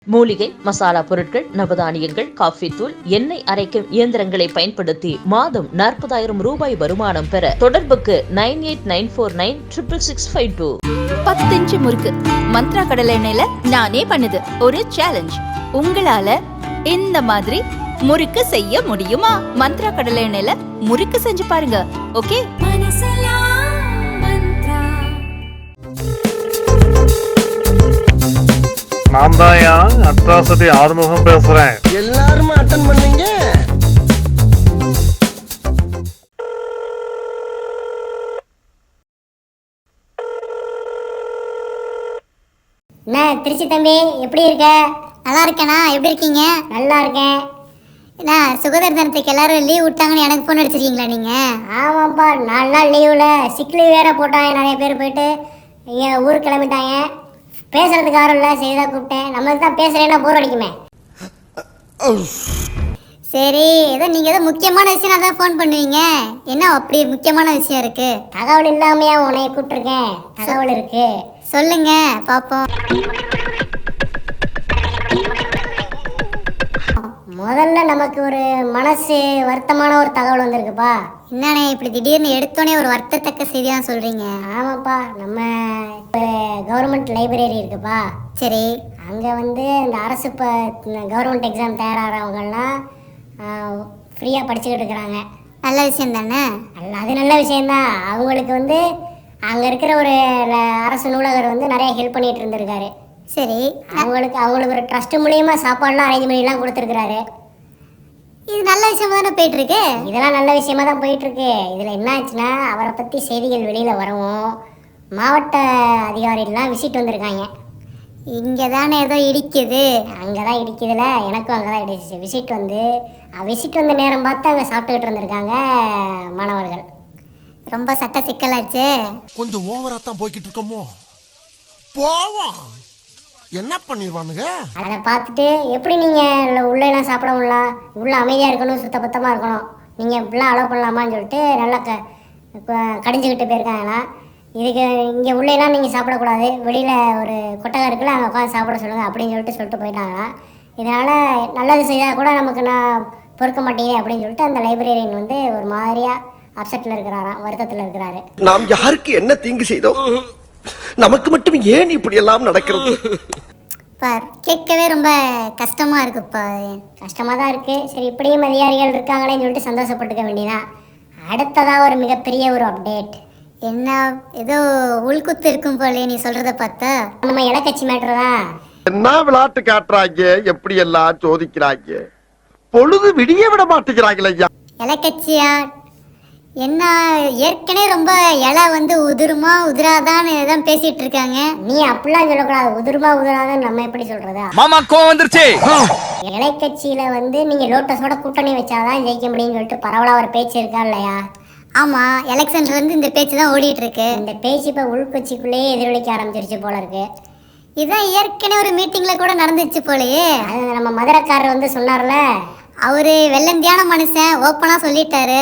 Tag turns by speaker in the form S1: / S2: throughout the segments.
S1: மூலிகை மசாலா பொருட்கள், நவதானியங்கள், காஃபி தூள், எண்ணெய் அரைக்கும் இயந்திரங்களை பயன்படுத்தி மாதம் 40,000 ரூபாய் வருமானம் பெற தொடர்புக்கு 9894966652.
S2: 10 இன்ச்சு முறுக்கு மந்த்ரா கடலை எண்ணெயில நானே பண்ணுது ஒரு சேலஞ்ச். உங்களால இந்த மாதிரி முறுக்கு செய்ய முடியுமா? மந்த்ரா கடலை எண்ணெயில முறுக்கு செஞ்சு பாருங்க. ஓகே.
S3: நான் தான் அட்ராசிட்டி ஆறுமுகம் பேசுறேன்.
S4: எல்லாரும் அட்டன் பண்ணீங்க.
S5: என்ன திருச்சி தம்பி, எப்படி இருக்க?
S6: நல்லா இருக்கேண்ணா, எப்படி இருக்கீங்க?
S5: நல்லா இருக்கேன்.
S6: என்ன சுகதர் தினத்துக்கு எல்லாரும் லீவ் விட்டாங்கன்னு எனக்கு ஃபோன் அடிச்சிருக்கீங்களா நீங்கள்?
S5: ஆமாப்பா, 4 நாள் லீவில் சிக் லீவ் வேற போட்டாங்க. நிறைய பேர் போயிட்டு இங்கே ஊருக்கு கிளம்பிட்டாங்க. பேசுறதுக்கு யாரும் இல்லை, சரிதான் கூப்பிட்டேன். நம்மளுக்கு தான் பேசுகிறேன்னா போர் அடிக்குமே.
S6: சரி, ஏதோ நீங்கள் ஏதோ முக்கியமான விஷயம் தான் ஃபோன் பண்ணுவீங்க. என்ன அப்படி முக்கியமான விஷயம் இருக்குது?
S5: தகவல் இல்லாமையா உன்னை கூப்பிட்டுருக்கேன். தகவல் இருக்கு,
S6: சொல்லுங்க பார்ப்போம்.
S5: முதல்ல நமக்கு ஒரு மனசு வருத்தமான ஒரு தகவல் வந்திருக்குப்பா.
S6: என்னண்ணே இப்படி திடீர்னு எடுத்தோடனே ஒரு வருத்தத்தக்க செய்தியாக சொல்கிறீங்க?
S5: ஆமாப்பா, நம்ம கவர்மெண்ட் லைப்ரரி இருக்குப்பா.
S6: சரி.
S5: அங்கே வந்து இந்த அரசு கவர்மெண்ட் எக்ஸாம் தயாராகிறவங்கெல்லாம் ஃப்ரீயாக படிச்சுக்கிட்டு இருக்கிறாங்க.
S6: நல்ல விஷயம் தானே?
S5: அது நல்ல விஷயந்தான். அவங்களுக்கு வந்து அங்கே இருக்கிற ஒரு அரசு நூலகர் வந்து நிறைய ஹெல்ப் பண்ணிகிட்டு இருந்திருக்காரு.
S6: சரி.
S5: அவங்களுக்கு ஒரு ட்ரஸ்ட் மூலியமா சாப்பாடுலாம் அரேஞ்ச் பண்ணிலாம் கொடுத்துருக்காரு.
S6: இது நல்ல விஷயமா தானே போயிட்டுருக்கு?
S5: இதெல்லாம் நல்ல விஷயமா தான் போயிட்டுருக்கு. இதில் என்ன ஆச்சுன்னா, அவரை பற்றி செய்திகள் வெளியில் வரவும் மாவட்ட அதிகாரிகள்லாம் விசிட் வந்திருக்காங்க.
S6: இங்கே தானே ஏதோ இடிக்குது.
S5: அங்கே தான் இடிக்குதுல, எனக்கும் அங்கே தான் இடிச்சிச்சு. விசிட் வந்த நேரம் பார்த்து அங்கே சாப்பிட்டுக்கிட்டு இருந்திருக்காங்க மாணவர்கள்.
S6: ரொம்ப சட்ட சிக்கலாச்சு.
S4: கொஞ்சம் ஓவரா தான் போய்கிட்டு இருக்கோமோ. போவோம், என்ன பண்ணிடுவானுங்க.
S5: அதை பார்த்துட்டு எப்படி நீங்கள் உள்ளெல்லாம் சாப்பிட முடியலாம், உள்ளே அமைதியாக இருக்கணும், சுத்தபத்தமாக இருக்கணும், நீங்கள் இப்படிலாம் அலோவ் பண்ணலாமான்னு சொல்லிட்டு நல்லா கடிஞ்சிக்கிட்டு போயிருக்காங்களாம். இதுக்கு இங்கே உள்ளேலாம் நீங்கள் சாப்பிடக்கூடாது, வெளியில் ஒரு கொட்டகை இருக்குல்ல, அங்கே உட்காந்து சாப்பிட சொல்லுங்கள் அப்படின்னு சொல்லிட்டு போயிட்டாங்களாம். இதனால் நல்லது செய்தால் கூட நமக்கு நான் பொறுக்க மாட்டேங்க அப்படின்னு சொல்லிட்டு அந்த லைப்ரரியன் வந்து ஒரு மாதிரியாக அப்செட்டில் இருக்கிறாராம், வருத்தத்தில் இருக்கிறாரு.
S4: நாம் யாருக்கு என்ன தீங்கு செய்தோம்? நமக்கு மட்டும் ஏன் இப்படி எல்லாம் நடக்கிறது?
S6: கேட்கவே ரொம்ப கஷ்டமா இருக்குப்பா.
S5: கஷ்டமாக தான் இருக்குது. சரி, இப்படியும் அதிகாரிகள் இருக்காங்களேன்னு சொல்லிட்டு சந்தோஷப்பட்டுக்க வேண்டியதான். அடுத்ததாக ஒரு மிகப்பெரிய ஒரு அப்டேட்.
S6: என்ன ஏதோ உள்குத்து இருக்கும் போலே நீ சொல்றத பார்த்தா.
S5: நம்ம இலக்கட்சி மேட்ரு தான்.
S4: என்ன விளையாட்டு காட்டுறாங்க, எப்படி எல்லாம் சோதிக்கிறாங்க, பொழுது விடிய விட மாட்டேங்கிறாங்களே.
S6: இலக்கட்சியா? என்ன ஏற்கனவே ரொம்ப இலை வந்து உதிருமா உதிராதான்னு தான் பேசிட்டு இருக்காங்க.
S5: நீ அப்படிலாம் சொல்லக்கூடாது. உதிருமா உதிராதான்னு நம்ம எப்படி சொல்றதா?
S7: மாமா கோவம் வந்துருச்சு.
S5: இலைக்கட்சியில வந்து நீங்க லோட்டஸோட கூட்டணி வச்சாதான் ஜெயிக்க முடியும்னு சொல்லிட்டு பரவலா ஒரு பேச்சு இருக்கா இல்லையா?
S6: ஆமா, எலெக்ஷன்ல இருந்து இந்த பேச்சு தான் ஓடிட்டு இருக்கு.
S5: இந்த பேச்சு இப்ப உள்கட்சிக்குள்ளேயே எதிரொலிக்க ஆரம்பிச்சிருச்சு போல இருக்கு.
S6: இதான் ஏற்கனவே ஒரு மீட்டிங்ல கூட நடந்துச்சு போலயே.
S5: அது நம்ம மதுரைக்காரர் வந்து சொன்னார்ல,
S6: அவரு வெள்ளந்தியான மனுஷன், ஓப்பனா சொல்லிட்டாரு.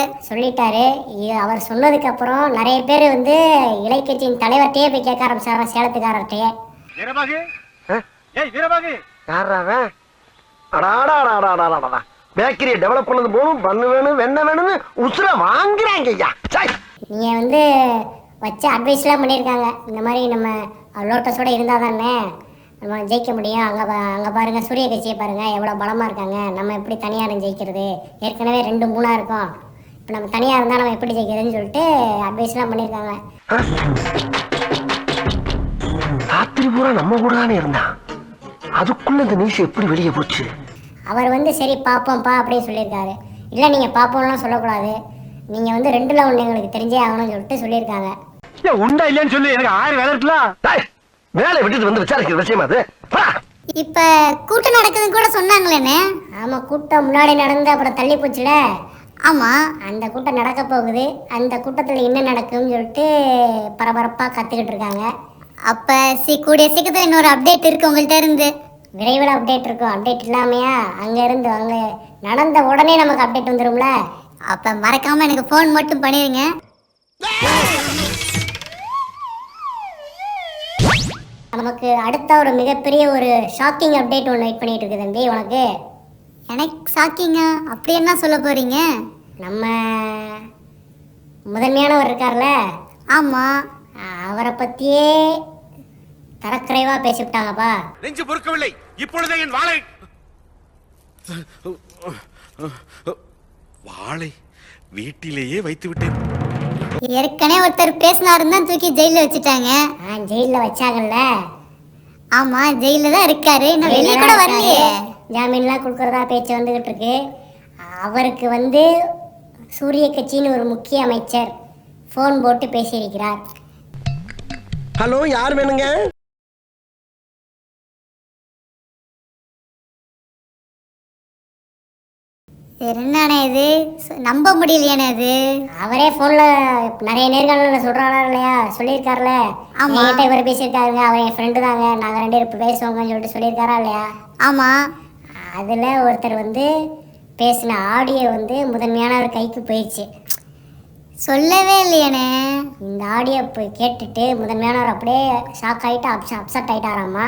S5: அவர் சொன்னதுக்கு அப்புறம் நிறைய பேர் வந்து இலைக்கட்சியின் தலைவர்கிட்டயே போய் கேட்க ஆரம்பிச்சாராம், சேலத்துக்காரர்கிட்டயே.
S4: பேக்கரியை டெவலப் பண்ணது போகணும், பண்ணு வேணும், வெண்ணெய் வேணும்னு உசுர வாங்குறாங்க.
S5: நீங்க வந்து வச்ச அட்வைஸ்லாம் பண்ணியிருக்காங்க. இந்த மாதிரி நம்ம லோட்டஸோட இருந்தால் தானே நம்ம ஜெயிக்க முடியும். அங்கே பாருங்கள், சூரிய கட்சியை பாருங்கள் எவ்வளோ பலமாக இருக்காங்க. நம்ம எப்படி தனியாக ஜெயிக்கிறது? ஏற்கனவே 2-3 இருக்கோம். இப்போ நம்ம தனியாக இருந்தால் நம்ம எப்படி ஜெயிக்கிறதுன்னு சொல்லிட்டு அட்வைஸ்லாம் பண்ணியிருக்காங்க.
S4: ராத்திரி பூரா நம்ம கூட தானே இருந்தான், அதுக்குள்ள இந்த நியூஸ் எப்படி வெளியே போச்சு?
S5: அவர் வந்து சரி பார்ப்போம்ப்பா அப்படின்னு சொல்லியிருக்காரு. இல்லை, நீங்கள் பார்ப்போம்லாம் சொல்லக்கூடாது, நீங்கள் வந்து 2ல் 1 எங்களுக்கு தெரிஞ்சே ஆகணும்னு சொல்லிட்டு சொல்லியிருக்காங்க.
S7: உண்டா இல்லையான்னு சொல்லி எனக்கு 1000 வேலை இருக்கலாம்.
S4: வேலை விட்டுட்டு வந்து விசாரிக்கிற விஷயமா அது?
S6: இப்ப கூட்டம் நடக்குதுன்னு கூட சொன்னாங்களேன்னு.
S5: ஆமா, கூட்டம் முன்னாடி நடந்து அப்புறம் தள்ளி போச்சுல.
S6: ஆமா,
S5: அந்த கூட்டம் நடக்க போகுது. அந்த கூட்டத்தில் என்ன நடக்கும்னு சொல்லிட்டு பரபரப்பாக கற்றுக்கிட்டு இருக்காங்க.
S6: அப்ப கூடிய சீக்கிரத்தில் இன்னொரு அப்டேட் இருக்கு உங்கள்கிட்ட இருந்து.
S5: விரைவில் அப்டேட் இருக்கும். அப்டேட் இல்லாமையா? அங்கே நடந்த உடனே நமக்கு அப்டேட் வந்துடும்ல.
S6: அப்ப மறக்காம எனக்கு ஃபோன் மட்டும் பண்ணிருங்க.
S5: நமக்கு அடுத்த ஒரு மிகப்பெரிய ஒரு ஷாக்கிங் அப்டேட் ஒன்று வெயிட் பண்ணிட்டு இருக்கு தம்பி உனக்கு.
S6: எனக்கு ஷாக்கிங்கா? அப்படி என்ன சொல்ல போறீங்க?
S5: நம்ம முதன்மையானவர் இருக்கார்ல,
S6: ஆமாம்.
S5: அவரை பற்றியே தரக்குறைவா பேசிவிட்டாங்கப்பா.
S7: நெஞ்சு பொறுக்கவில்லை, இப்பொழுதே என் வாளை வீட்டிலேயே வைத்து விட்டேன்.
S6: ஏற்கனவே ஒருத்தர் பேசினாருன்னு தான் தூக்கி ஜெயிலில் வச்சுட்டாங்க.
S5: ஜெயிலில் வச்சாங்கல்ல.
S6: ஆமாம், ஜெயிலில் தான் இருக்காரு. இன்னும் வெளியே கூட வரலையே.
S5: ஜாமீன்லாம் கொடுக்குறதா பேச்சு வந்துகிட்டு இருக்கு. அவருக்கு வந்து சூரிய கட்சின்னு ஒரு முக்கிய அமைச்சர் ஃபோன் போட்டு பேசியிருக்கிறார்.
S4: ஹலோ, யார் வேணுங்க?
S6: என்னண்ணே இது? நம்ப முடியலையானே இது.
S5: அவரே ஃபோனில் நிறைய நேர்காணலில் சொல்கிறாரா இல்லையா, சொல்லியிருக்காருல.
S6: ஆமா.
S5: என்கிட்ட இவர் பேசியிருக்காருங்க, அவர் என் ஃப்ரெண்டு தாங்க, நாங்கள் 2 பேரும் பேசுவோங்கன்னு சொல்லிட்டு சொல்லியிருக்காரா இல்லையா.
S6: ஆமாம்.
S5: அதில் ஒருத்தர் வந்து பேசின ஆடியோ வந்து முதன்மையானவர் கைக்கு போயிடுச்சு.
S6: சொல்லவே இல்லையானே.
S5: இந்த ஆடியோ போய் கேட்டுட்டு முதன்மையானவர் அப்படியே ஷாக் ஆகிட்டு அப்செட் ஆகிட்டாராம்மா.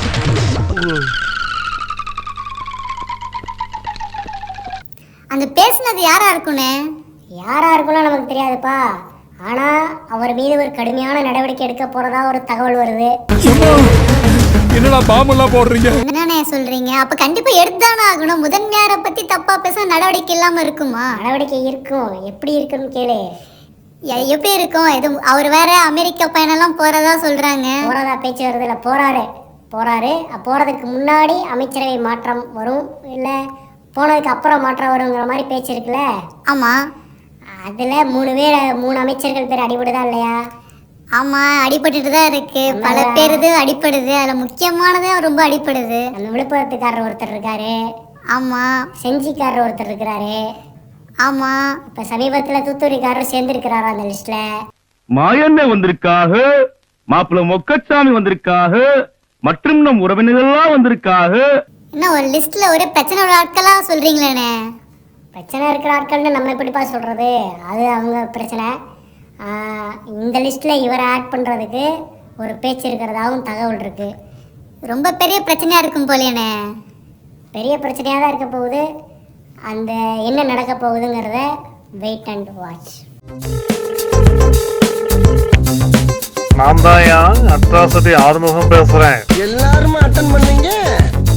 S6: அந்த பேசுனது யாரா இருக்குண்ணே?
S5: யாரா இருக்கும்லாம் நமக்கு தெரியாதுப்பா. ஆனால் அவர் மீது ஒரு கடுமையான நடவடிக்கை எடுக்க போகிறதா ஒரு தகவல் வருது.
S7: என்னடா பாம்பெல்லாம் போடுறீங்க?
S6: என்னண்ணே சொல்றீங்க? அப்ப கண்டிப்பா எடுத்துதானே ஆகணும். முதன்மையாரை பத்தி தப்பா பேச நடவடிக்கை இல்லாம இருக்குமா?
S5: நடவடிக்கை இருக்கும். எப்படி இருக்குன்னு கேளு.
S6: எப்படி இருக்கும்? இது அவர் வேற அமெரிக்கா பயணம்லாம் போறதா சொல்றாங்க.
S5: போறதா பேச்சு வருது. இல்லை, போறாரு. போறதுக்கு முன்னாடி அமைச்சரவை மாற்றம் வரும், இல்லை போனதுக்கு அப்புறம் மாற்றம் வருங்கிற மாதிரி பேச்சு இருக்குல்ல.
S6: ஆமா.
S5: அதில் 3 அமைச்சர்கள் பேர் அடிபடுதா இல்லையா?
S6: ஆமா, அடிபட்டுட்டு தான் இருக்கு. பல பேர் இது அடிப்படுது. அதுல முக்கியமானதே ரொம்ப அடிப்படுது.
S5: அந்த விழுப்புரத்துக்காரர் ஒருத்தர் இருக்காரு.
S6: ஆமா.
S5: செஞ்சிக்காரர் ஒருத்தர் இருக்கிறாரு.
S6: ஆமா.
S5: இப்ப சமீபத்துல தூத்துக்குடிக்காரர் சேர்ந்து இருக்கிறாரா அந்த லிஸ்ட்ல.
S7: மாயண்ணே வந்திருக்காக, மாப்பிள்ள மொக்கச்சாமி வந்திருக்காக, மற்றும் நம் உறவினர்கள்லாம் வந்திருக்காக.
S6: என்ன ஒரு லிஸ்ட்ல ஒரே பிரச்சனை உள்ள ஆட்களா சொல்றீங்களேண்ணே?
S5: பிரச்சனை இருக்கிற ஆட்கள்னு நம்ம எப்படிப்பா சொல்றது? அது அவங்க பிரச்சனை. இந்த லிஸ்ட்ல இவரை ஆட் பண்றதுக்கு ஒரு பேச்சு இருக்கிறதாவும் தகவல் இருக்கு.
S6: ரொம்ப பெரிய பிரச்சனையா இருக்கும் போலேண்ணே.
S5: பெரிய பிரச்சனையாக தான் இருக்க போகுது. அந்த என்ன நடக்க போகுதுங்கிறத வெயிட் அண்ட் வாட்ச்.
S3: நான் தான் அட்ராசிட்டி ஆறுமுகம் பேசுறேன்.
S4: எல்லாருமே அட்டன் பண்ணீங்க.